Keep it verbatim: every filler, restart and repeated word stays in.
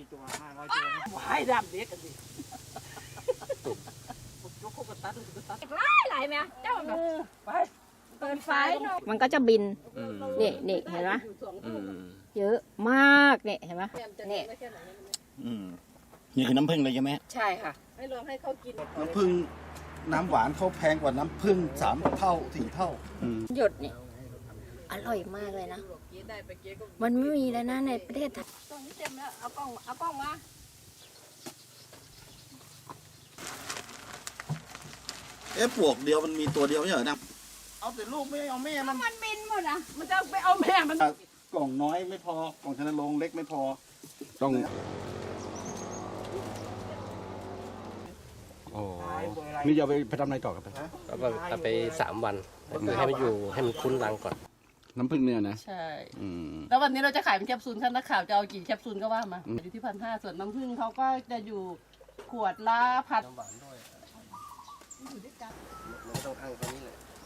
ตัวห้าร้อยตัวให้ดำเด็กกันดิยกโคกตัดตัดไล่ไหลไหมเจ้าแบบไปเปิดไฟมันก็จะบินนี่นี่เห็นไหมเยอะมากเนี่ยเห็นไหมเนี่ยอืมนี่คือน้ำผึ้งเลยใช่ไหมใช่ค่ะให้ลองให้เขากินน้ำผึ้งน้ำหวานเขาแพงกว่าน้ำผึ้งสามเท่าสี่เท่าหยดเนี่ยอร่อยมากเลยนะมันไม่มีแล้วนะในประเทศไทยตรงนี้เต็มแล้วเอากล้องเอากล้องมาเอ๊ะปลวกเดียวมันมีตัวเดียวไม่ใช่เหรอนะเอาแต่ลูกไม่เอาแม่มันมันบินหมดอ่ะมันจะไปเอาแม่มันกล่องน้อยไม่พอกล่องชนโรงเล็กไม่พอต้องโอ้นี่จะเอาไปไปทำอะไรต่อครับแล้วก็เอาไปสามวันคือให้มันอยู่ให้มันคุ้นรังก่อนน้ำผึ้งเนี่ยนะใช่อืมแล้ววันนี้เราจะขายเป็นแคปซูลท่านนักข่าวจะเอากี่แคปซูลก็ว่ามาอืมอยู่ที่พันห้าส่วนน้ำผึ้งเขาก็จะอยู่ขวดละพันน้ำหวานด้วยไม่ต้องอ้างตรงนี้เลย